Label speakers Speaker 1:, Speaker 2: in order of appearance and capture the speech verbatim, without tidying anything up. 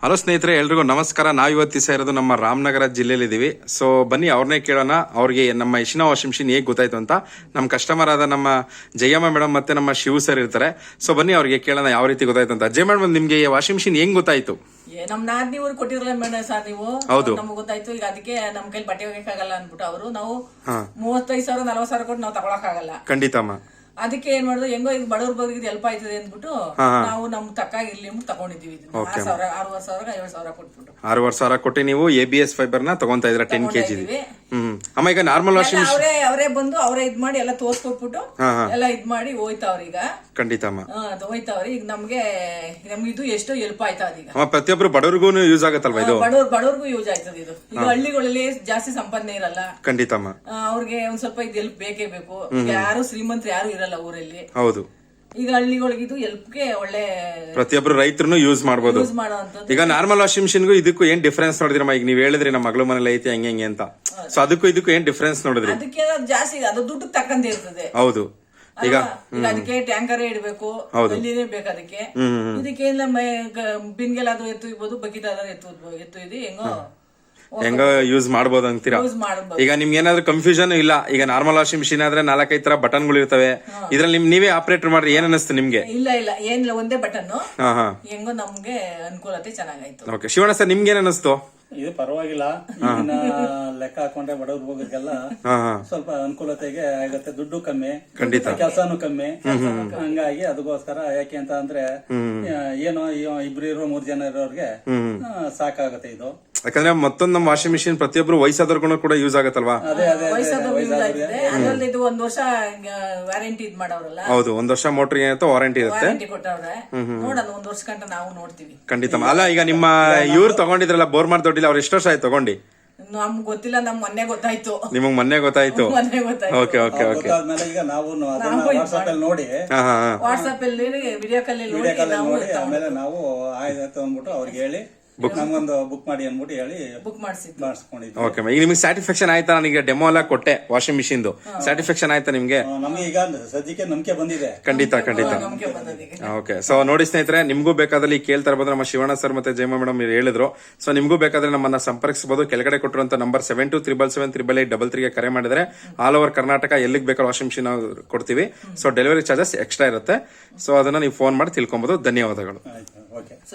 Speaker 1: Hello ಸ್ನೇಹಿತರೆ, ಎಲ್ರಿಗೂ ನಮಸ್ಕಾರ. ನಾವು ಇವತ್ತು ದಿವಸ ಇರೋದು ನಮ್ಮ ರಾಮನಗರ ಜಿಲ್ಲೆಯಲ್ಲಿ ಇದೀವಿ. ಸೊ ಬನ್ನಿ ಅವ್ರನ್ನೇ ಕೇಳೋಣ, ಅವ್ರಿಗೆ ನಮ್ಮ ಇಶಿನಾ ವಾಷಿಂಗ್ ಮಿಷಿನ್ ಹೇಗೆ ಗೊತ್ತಾಯ್ತು ಅಂತ. ನಮ್ಮ ಕಸ್ಟಮರ್ ಆದ ನಮ್ಮ ಜಯಮ್ಮ ಮೇಡಮ್ ಮತ್ತೆ ನಮ್ಮ ಶಿವ ಸರ್ ಇರ್ತಾರೆ. ಸೊ ಬನ್ನಿ ಅವ್ರಿಗೆ ಕೇಳೋಣ ಯಾವ ರೀತಿ ಗೊತ್ತಾಯ್ತು ಅಂತ. ಜಯ ಮೇಡಮ್, ನಿಮ್ಗೆ ವಾಷಿಂಗ್ ಮಿಷಿನ್ ಹೆಂಗ್ ಗೊತ್ತಾಯ್ತು?
Speaker 2: ನಮ್ ನಾದ್ನಿ ಊರು ಕೊಟ್ಟಿರಲ್ಲ ಮೇಡಮ್ ಸರ್, ನೀವು
Speaker 1: ಹೌದು
Speaker 2: ನಮ್ಗೆ ಗೊತ್ತಾಯ್ತು. ಈಗ ಅದಕ್ಕೆ ನಮ್ ಕೈಲಿ ಬಟ್ಟೆ ಹೋಗಕ್ಕಾಗಲ್ಲ ಅನ್ಬಿಟ್ಟು ಅವರು ನಾವು ಮೂವತ್ತೈದು ಸಾವಿರ ನಲ್ವತ್ ಸಾವಿರ ಕೊಟ್ಟು ನಾವು ತಗೊಳಕ್ ಆಗಲ್ಲ.
Speaker 1: ಖಂಡಿತಮ್ಮ.
Speaker 2: ಅದಕ್ಕೆ ಏನ್ ಮಾಡುದು, ಹೆಂಗೋ ಈಗ ಬಡವ್ರ ಬಗ್ಗೆ ಹೆಲ್ಪ್ ಆಯ್ತದೆ ಅಂದ್ಬಿಟ್ಟು ನಾವು ನಮ್ ತಕ್ಕ ಇರ್ಲಿ ಅಂದ್ಬಿಟ್ಟು ತಗೊಂಡಿದ್ದೀವಿ. ಆರು ಸಾವಿರ ಆರೂವರೆ ಸಾವಿರ ಐವತ್ತು ಸಾವಿರ ಕೊಟ್ಬಿಟ್ಟು
Speaker 1: ಆರೂವರೆ ಸಾವಿರ ಕೊಟ್ಟು ನೀವು ಎ ಬಿ ಎಸ್ ಫೈಬರ್ ನ ತಗೊಂತಾ ಇದ್ರ ಟೆನ್ ಕೆಜಿ. ಹ್ಮ್ ಅಮ್ಮ, ಈಗ ನಾರ್ಮಲ್ ವಾಷಿಂಗ್ ಮಿಷಿನ್
Speaker 2: ಅವರೇ ಅವರೇ ಬಂದು ಅವರೇ ಇದ್ ಮಾಡಿ ಎಲ್ಲ ತೋರ್ಸ್ಕೊಟ್ಬಿಟ್ಟು ಎಲ್ಲ ಇದ್ ಮಾಡಿ ಹೋಯ್ತಾವ್ರ. ಈಗ
Speaker 1: ಖಂಡಿತಮ್ಮ
Speaker 2: ಹೋಯ್ತಾವ್ರಿ. ಈಗ ನಮ್ಗೆ ನಮ್ಗೆ ಇದು ಎಷ್ಟೋ ಹೆಲ್ಪ್ ಆಯ್ತಾ ಈಗ.
Speaker 1: ಪ್ರತಿಯೊಬ್ರು ಬಡವ್ರಿಗೂ ಯೂಸ್ ಆಗತ್ತಲ್ವಾ ಇದು?
Speaker 2: ಬಡವ್ರ ಬಡವ್ರಿಗೂ ಯೂಸ್ ಆಯ್ತದ ಇದು. ಈಗ ಹಳ್ಳಿಗಳಲ್ಲಿ ಜಾಸ್ತಿ ಸಂಪಾದನೆ ಇರಲ್ಲ.
Speaker 1: ಖಂಡಿತಮ್ಮ.
Speaker 2: ಅವ್ರಿಗೆ ಒಂದ್ ಸ್ವಲ್ಪ ಇದು ಹೆಲ್ಪ್ ಬೇಕೇ ಬೇಕು. ಯಾರು ಶ್ರೀಮಂತರು ಯಾರು ಇರಲ್ಲ ಊರಲ್ಲಿ.
Speaker 1: ಹೌದು.
Speaker 2: ಈಗ ಹಳ್ಳಿಗಳಿಗಿದು ಹೆಲ್ಪ್ಗೆ ಒಳ್ಳೆ
Speaker 1: ಪ್ರತಿಯೊಬ್ರು ರೈತರು ಯೂಸ್ ಮಾಡಬಹುದು.
Speaker 2: ಯೂಸ್ ಮಾಡುವಂತದ್ದು.
Speaker 1: ಈಗ ನಾರ್ಮಲ್ ವಾಷಿಂಗ್ ಮಿಷಿನ್ಗೂ ಇದಕ್ಕೂ ಏನ್ ಡಿಫ್ರೆನ್ಸ್ ನೋಡಿದ್ರಮ್ಮ? ಈಗ ನೀವ್ ಹೇಳಿದ್ರಿ ನಮ್ಮ ಮಗಳ ಮನೇಲಿ ಐತಿ ಹಂಗೆ ಹಂಗೆ ಅಂತ. ಸೊ ಅದಕ್ಕೂ ಇದಕ್ಕೂ ಏನ್ ಡಿಫ್ರೆನ್ಸ್ ನೋಡಿದ್ರಿ?
Speaker 2: ಅದಕ್ಕೆ ಜಾಸ್ತಿ ಅದು ದುಡ್ಡು ತಕ್ಕಂತೆ ಇರ್ತದೆ.
Speaker 1: ಹೌದು. ಈಗ
Speaker 2: ಅದಕ್ಕೆ ಟ್ಯಾಂಕರ್ ಇಡಬೇಕು, ಅಲ್ಲಿನೇ ಬೇಕು ಅದಕ್ಕೆ. ಇದಕ್ಕೆ ಬಿನ್ಗೆಲ್ಲ ಅದು ಎತ್ತು ಇರ್ಬೋದು, ಬಕೆಟ್ ಆದ್ರೆ ಎತ್ತು ಎತ್ತು ಇದು ಹೆಂಗೋ
Speaker 1: ಹೆಂಗ ಯೂಸ್ ಮಾಡಬಹುದು ಅಂತೀರಾ? ಈಗ ನಿಮ್ಗೆ ಏನಾದ್ರು ಕನ್ಫ್ಯೂಷನ್ ಇಲ್ಲ? ಈಗ ನಾರ್ಮಲ್ ವಾಷಿಂಗ್ ಮಿಷಿನ್ ಆದ್ರೆ ನಾಲ್ಕೈದು ತರ ಬಟನ್ ಗಳು ಇರ್ತವೆ, ಇದ್ರಲ್ಲಿ ನಿಮ್ ನೀವೇ ಆಪರೇಟರ್ ಮಾಡ್ರಿ. ಏನ್ ಅನಿಸ್ತು ನಿಮ್ಗೆ?
Speaker 2: ಇಲ್ಲ ಇಲ್ಲ ಏನಿಲ್ಲ, ಒಂದೇ ಬಟನ್. ಹೆಂಗೋ ನಮ್ಗೆ ಅನುಕೂಲತೆ ಚೆನ್ನಾಗಾಯ್ತು.
Speaker 1: ಓಕೆ, ಶಿವಣ್ಣ ಸರ್ ನಿಮ್ಗೆ ಏನ್ ಅನಿಸ್ತು?
Speaker 3: ಇದು ಪರವಾಗಿಲ್ಲ. ಈಗಿನ ಲೆಕ್ಕ ಹಾಕೊಂಡ್ರೆ ಬಡವ್ರು ಹೋಗೋದಕ್ಕೆಲ್ಲ ಸ್ವಲ್ಪ ಅನುಕೂಲತೆಗೆ ಆಗುತ್ತೆ. ದುಡ್ಡು ಕಮ್ಮಿ,
Speaker 1: ಖಂಡಿತ
Speaker 3: ಕೆಲಸನೂ ಕಮ್ಮಿ. ಹಂಗಾಗಿ ಅದಕ್ಕೋಸ್ಕರ ಯಾಕೆ ಅಂತ ಅಂದ್ರೆ ಏನೋ ಇಬ್ರು ಇರೋ ಮೂರ್ ಜನ ಇರೋರ್ಗೆ ಸಾಕಾಗುತ್ತೆ ಇದು.
Speaker 1: ಯಾಕಂದ್ರೆ ಮತ್ತೊಂದು ನಮ್ಮ ವಾಷಿಂಗ್ ಮಿಷಿನ್ ಪ್ರತಿಯೊಬ್ರು ವಯಸ್ಸಾದವ್ರಿಗೂ ಕೂಡ ಯೂಸ್ ಆಗತ್ತಲ್ವಾ?
Speaker 2: ಇದು ಒಂದ್ ವರ್ಷ ವ್ಯಾರಂಟಿ ಇದ್ ಮಾಡವ್ರಲ್ಲ.
Speaker 1: ಹೌದು, ಒಂದ್ ವರ್ಷ ಮೋಟರ್ ಏನಾಯ್ತು ವಾರಂಟಿ ಇರುತ್ತೆ.
Speaker 2: ಕೊಟ್ಟವ್ರೆ, ನೋಡೋಣ ಒಂದ್ ವರ್ಷ ಗಂಟ ನಾವು ನೋಡ್ತೀವಿ.
Speaker 1: ಖಂಡಿತ. ಅಲ್ಲ, ಈಗ ನಿಮ್ಮ ಇವ್ರು ತಗೊಂಡಿದ್ರಲ್ಲ ಬೋರ್ಮಾರ್ ದೊಡ್ಡಿಲ್ಲ, ಅವ್ರು ಎಷ್ಟು ವರ್ಷ ಆಯ್ತು ತಗೊಂಡಿ?
Speaker 2: ನಮ್ಗೆ ಗೊತ್ತಿಲ್ಲ, ನಮ್ ಮೊನ್ನೆ ಗೊತ್ತಾಯ್ತು.
Speaker 1: ನಿಮಗ್ ಮೊನ್ನೆ ಗೊತ್ತಾಯ್ತು?
Speaker 2: ಮೊನ್ನೆ ಗೊತ್ತಾಯ್ತು.
Speaker 1: Okay okay okay.
Speaker 3: ಈಗ ನಾವು ವಾಟ್ಸ್ಆಪ್ ಅಲ್ಲಿ ನೋಡಿ
Speaker 2: ವಾಟ್ಸ್ಆಪ್ ಅಲ್ಲಿ ವಿಡಿಯೋ ಕಾಲ್ ಅಲ್ಲಿ
Speaker 3: ನೋಡಿ ಆಮೇಲೆ ನಾವು ಆಯ್ತು ಅಂದ್ಬಿಟ್ಟು ಅವ್ರಿಗೆ ಹೇಳಿ ನಮ್ಗೊಂದು ಬುಕ್ ಮಾಡಿ ಅನ್ಬಿಟ್ಟು ಹೇಳಿ
Speaker 2: ಬುಕ್
Speaker 3: ಮಾಡಿಸ್ಕೊಂಡಿದ್ವಿ.
Speaker 1: ಓಕೆ, ಈಗ ನಿಮ್ಗೆ ಸ್ಯಾಟಿಸ್ಫ್ಯಾಕ್ಷನ್ ಆಯ್ತಾ? ನನಗೆ ಡೆಮೋ ಎಲ್ಲ ಕೊಟ್ಟೆ ವಾಷಿಂಗ್ ಮಿಷಿನ್ ಸ್ಯಾಟಿಸ್ಫ್ಯಾಕ್ಷನ್ ಆಯ್ತಾ ನಿಮ್ಗೆ?
Speaker 3: ನಮ್ಗೆ ಈಗ ಸದ್ಯಕ್ಕೆ ನಂಬಿಕೆ ಬಂದಿದೆ.
Speaker 1: ಖಂಡಿತ ಖಂಡಿತ. ಓಕೆ, ಸೊ ನೋಡಿ ಸ್ನೇಹಿತರೆ, ನಿಮ್ಗೂ ಬೇಕಾದಲ್ಲಿ ಕೇಳ್ತಾ ಇರ್ಬೋದು. ನಮ್ಮ ಶಿವಣ್ಣ ಸರ್ ಮತ್ತೆ ಜಯಮ್ಮ ಮೇಡಮ್ ಹೇಳಿದ್ರು. ಸೊ ನಿಮ್ಗೂ ಬೇಕಾದ್ರೆ ನಮ್ಮನ್ನ ಸಂಪರ್ಕಿಸಬಹುದು. ಕೆಳಗಡೆ ಕೊಟ್ಟಿರುವಂತ number seven two triple seven triple eight double ತ್ರೀಗೆ ಕರೆ ಮಾಡಿದ್ರೆ ಆಲ್ ಓವರ್ ಕರ್ನಾಟಕ ಎಲ್ಲಿಗೆ ಬೇಕಾದ್ರೆ ವಾಷಿಂಗ್ ಮಿಷಿನ್ ಕೊಡ್ತೀವಿ. ಸೊ ಡೆಲಿವರಿ ಚಾರ್ಜಸ್ ಎಕ್ಸ್ಟ್ರಾ ಇರುತ್ತೆ. ಸೊ ಅದನ್ನ ನೀವು ಫೋನ್ ಮಾಡಿ ತಿಳ್ಕೊಬಹುದು. ಧನ್ಯವಾದಗಳು.